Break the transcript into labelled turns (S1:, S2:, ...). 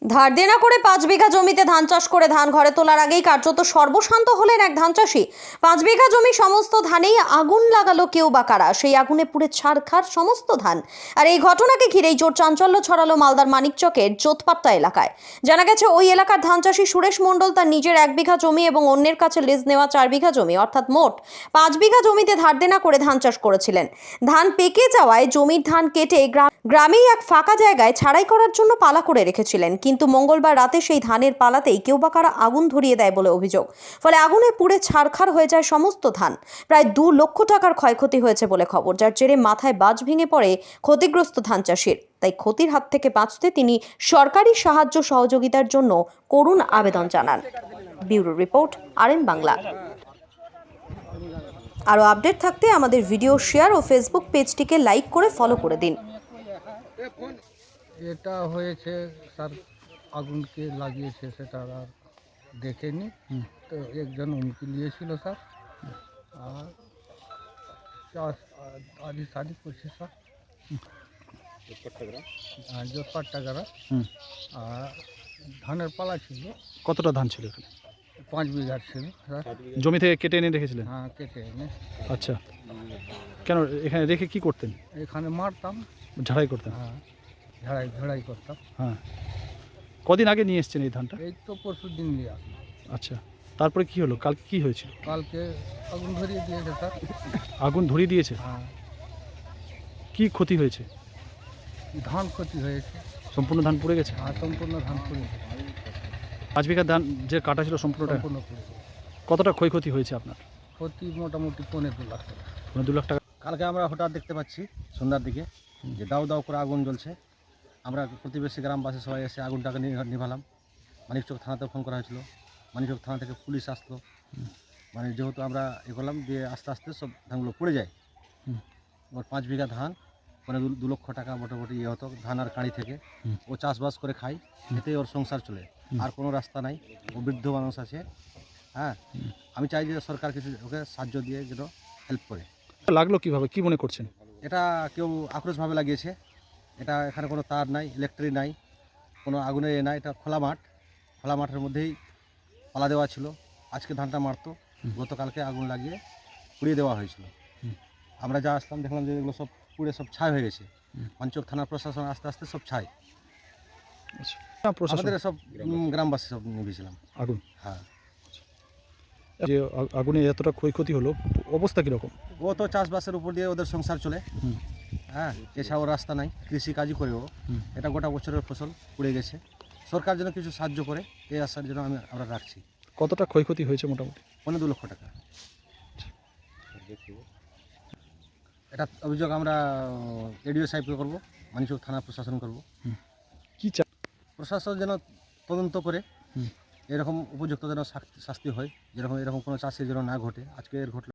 S1: ধার দেনা করে 5 বিঘা জমিতে ধান চাষ করে ধান ঘরে তোলার আগেই কার্যত সর্বশান্ত হলেন এক ধান চাষি। 5 বিঘা জমি সমস্ত ধানেই আগুন লাগালো কেউ বা কারা, সেই আগুনে পুড়ে ছারখার সমস্ত ধান। আর এই ঘটনাকে ঘিরেই জোর চাঞ্চল্য ছড়ালো মালদার মানিকচকের জোতপাট্টা এলাকায়। জানা গেছে ওই এলাকার ধান চাষি সুরেশ মণ্ডল তার নিজের 1 বিঘা জমি এবং অন্যের কাছে লিজ নেওয়া 4 বিঘা জমি অর্থাৎ মোট 5 বিঘা জমিতে ধার দেনা করে ধান চাষ করেছিলেন। ধান পেকে যাওয়ায় জমির ধান কেটে গ্রামেই এক ফাঁকা জায়গায় ছাড়াই করার জন্য পালা করে রেখেছিলেন, কিন্তু মঙ্গলবার রাতে সেই ধানের পালাতেই কেউ বা কারা আগুন ধরিয়ে দেয় বলে অভিযোগ। ফলে আগুনে পুড়ে ছারখার হয়ে যায় সমস্ত ধান। প্রায় 2 লক্ষ টাকার ক্ষয়ক্ষতি হয়েছে বলে খবর, যার জেরে মাথায় বাজ ভেঙে পড়ে ক্ষতিগ্রস্ত ধান চাষির। তাই ক্ষতির হাত থেকে বাঁচতে তিনি সরকারি সাহায্য সহযোগিতার জন্য করুণ আবেদন জানান। Bureau report, RN Bangla. আরও আপডেট থাকতে আমাদের ভিডিও শেয়ার ও ফেসবুক পেজটিকে লাইক করে ফলো করে দিন।
S2: এটা হয়েছে স্যার, আগুনকে লাগিয়েছে সেটা আর দেখেনি। তো একজন উমকি নিয়েছিল স্যার, আর চাষ আদি সাদি করছে স্যার, জোতপাট্টা গ্রাম। আর ধানের পালা ছিল।
S3: কতটা ধান ছিল এখানে?
S2: 5 বিঘা ছিল স্যার।
S3: জমি থেকে কেটে এনে রেখেছিলেন?
S2: হ্যাঁ, কেটে এনে
S3: আচ্ছা, কেন এখানে রেখে কি করতেন?
S2: এখানে মারতাম।
S3: ঝাড়াই করতেন?
S2: হ্যাঁ, ঝাড়াই করতাম।
S3: হ্যাঁ। কদিন আগে নিয়ে এসছেন এই ধানটা?
S2: এই তো পরশু দিন নিয়ে আসলাম।
S3: আচ্ছা, তারপরে কি হলো? কালকে কি হয়েছিল?
S2: কালকে আগুন ধরিয়ে দিয়েছে স্যার।
S3: আগুন ধরিয়ে দিয়েছে?
S2: হ্যাঁ,
S3: কি ক্ষতি হয়েছে?
S2: ধান ক্ষতি হয়েছে।
S3: সম্পূর্ণ ধান পুড়ে গেছে?
S2: আর সম্পূর্ণ ধান পুড়ে
S3: 5 বিঘা ধান যে কাটা ছিল সম্পূর্ণটা?
S2: সম্পূর্ণ পুড়ে গেছে।
S3: কতটা ক্ষয়ক্ষতি হয়েছে আপনার?
S2: ক্ষতি মোটামুটি 2.5 লাখ টাকা।
S3: 2 লাখ টাকা।
S4: কালকে আমরা হঠাৎ দেখতে পাচ্ছি সন্ধ্যার দিকে যে দাউ দাউ করে আগুন জ্বলছে। আমরা প্রতিবেশী গ্রামবাসী সবাই এসে আগুনটাকে নিভালাম। মানিকচক থানাতে ফোন করা হয়েছিল, মানিকচক থানা থেকে পুলিশ আসলো। মানে যেহেতু আমরা করলাম দিয়ে আস্তে আস্তে সব ধানগুলো পড়ে যায়। ওর 5 বিঘা ধান, মানে 2 লক্ষ টাকা মোটামুটি হতো ধান আর কাঁড়ি থেকে। ও চাষবাস করে খায়, এতেই ওর সংসার চলে, আর কোনো রাস্তা নাই। ও বৃদ্ধ মানুষ আছে। হ্যাঁ, আমি চাই যে সরকার কিছু ওকে সাহায্য দিয়ে যেন হেল্প করে।
S3: লাগলো কিভাবে, কি মনে করছেন?
S4: এটা কেউ আক্রোশভাবে লাগিয়েছে। এটা এখানে কোনো তার নাই, ইলেকট্রিক নাই, কোনো আগুনের নাই। এটা খোলা মাঠের মধ্যেই পালা দেওয়া ছিল। আজকে ধানটা মারতো, গতকালকে আগুন লাগিয়ে পুড়িয়ে দেওয়া হয়েছিল। আমরা যা আসলাম দেখলাম যে এগুলো সব পুড়ে সব ছাই হয়ে গেছে। মানিকচক থানার প্রশাসন আস্তে আস্তে সব ছাই।
S3: প্রশাসন
S4: আমাদের সব গ্রামবাসী সব নিভেছিলাম
S3: আগুন।
S4: হ্যাঁ,
S3: যে আগুনে এতটা ক্ষয়ক্ষতি হলো, অবস্থা কীরকম?
S4: ও তো চাষবাসের উপর দিয়ে ওদের সংসার চলে। হ্যাঁ, এছাড়াও রাস্তা নাই, কৃষিকাজই করে ও। এটা গোটা বছরের ফসল পুড়ে গেছে। সরকার যেন কিছু সাহায্য করে এই আশার জন্য আমরা রাখছি।
S3: কতটা ক্ষয়ক্ষতি হয়েছে মোটামুটি?
S4: 2 লক্ষ টাকা। এটা অভিযোগ আমরা এডিও সাহেবকে করবো, মানিকচক থানা প্রশাসন করব।
S3: কি চা
S4: প্রশাসন যেন তদন্ত করে এরকম উপযুক্ত যেন শাস্তি হয়, যেরকম এরকম কোনো চাষি যেন না ঘটে। আজকে এর ঘটল।